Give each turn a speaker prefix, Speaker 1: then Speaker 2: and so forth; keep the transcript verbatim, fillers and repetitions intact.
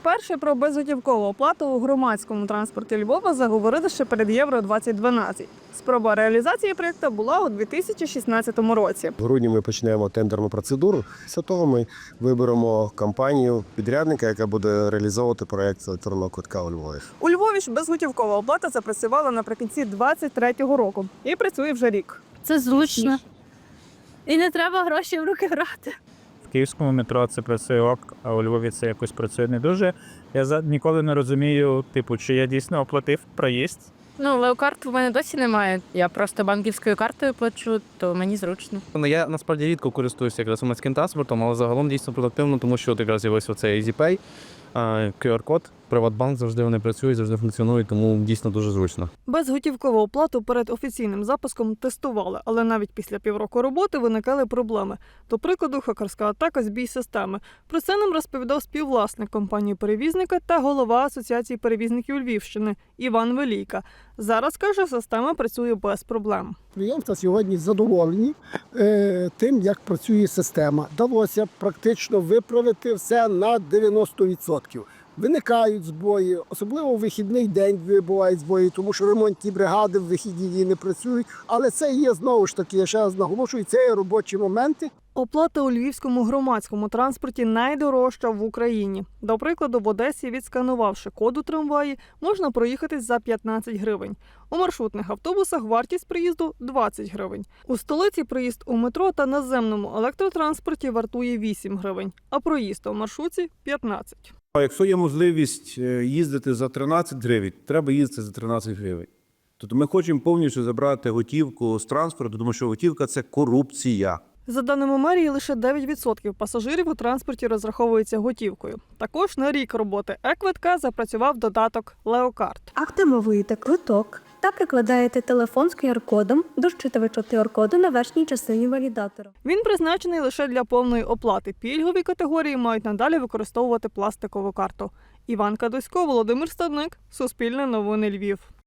Speaker 1: Вперше про безготівкову оплату у громадському транспорті Львова заговорили ще перед Євро двадцять дванадцять. Спроба реалізації проєкту була у дві тисячі шістнадцятому році.
Speaker 2: В грудні ми почнемо тендерну процедуру. Після того ми виберемо компанію підрядника, яка буде реалізовувати проєкт електронного квитка у Львові.
Speaker 1: У Львові ж безготівкова оплата запрацювала наприкінці двадцять третього року і працює вже рік.
Speaker 3: Це зручно. І не треба гроші в руки брати.
Speaker 4: В київському метро це працює ок, а у Львові це якось працює не дуже. Я за- ніколи не розумію, типу, чи я дійсно оплатив проїзд.
Speaker 3: Ну, леокарт у мене досі немає. Я просто банківською картою плачу, то мені зручно.
Speaker 5: Ну, я насправді рідко користуюся якраз громадським транспортом, але загалом дійсно продуктивно, тому що от якраз з'явився оцей EasyPay, кю ар-код, Приватбанк, завжди вони працюють, завжди функціонують, тому дійсно дуже зручно.
Speaker 1: Безготівкову оплату перед офіційним запуском тестували, але навіть після півроку роботи виникали проблеми. До прикладу, хакерська атака збій системи. Про це нам розповідав співвласник компанії-перевізника та голова Асоціації перевізників Львівщини Іван Велійка. Зараз, каже, система працює без проблем.
Speaker 6: Підприємства сьогодні задоволені е, тим, як працює система. Вдалося практично виправити все на дев'яносто відсотків. Виникають збої, особливо в вихідний день бувають збої, тому що ремонтні бригади в вихідні дні не працюють. Але це є, знову ж таки, я ще раз наголошую, це є робочі моменти.
Speaker 1: Оплата у львівському громадському транспорті найдорожча в Україні. До прикладу, в Одесі, відсканувавши код у трамваї, можна проїхати за п'ятнадцять гривень. У маршрутних автобусах вартість проїзду – двадцять гривень. У столиці проїзд у метро та наземному електротранспорті вартує вісім гривень, а проїзд у маршрутці – п'ятнадцять.
Speaker 7: А якщо є можливість їздити за тринадцять гривень, треба їздити за тринадцять гривень. Тобто ми хочемо повністю забрати готівку з транспорту, тому що готівка – це корупція.
Speaker 1: За даними мерії, лише дев'ять відсотків пасажирів у транспорті розраховуються готівкою. Також на рік роботи е-квитка запрацював додаток «Леокарт».
Speaker 8: Активуєте квиток та прикладаєте телефон з ку ар-кодом до щитувача ку ар-коду на верхній частині валідатора.
Speaker 1: Він призначений лише для повної оплати. Пільгові категорії мають надалі використовувати пластикову карту. Іван Кадусько, Володимир Стадник, Суспільне новини Львів.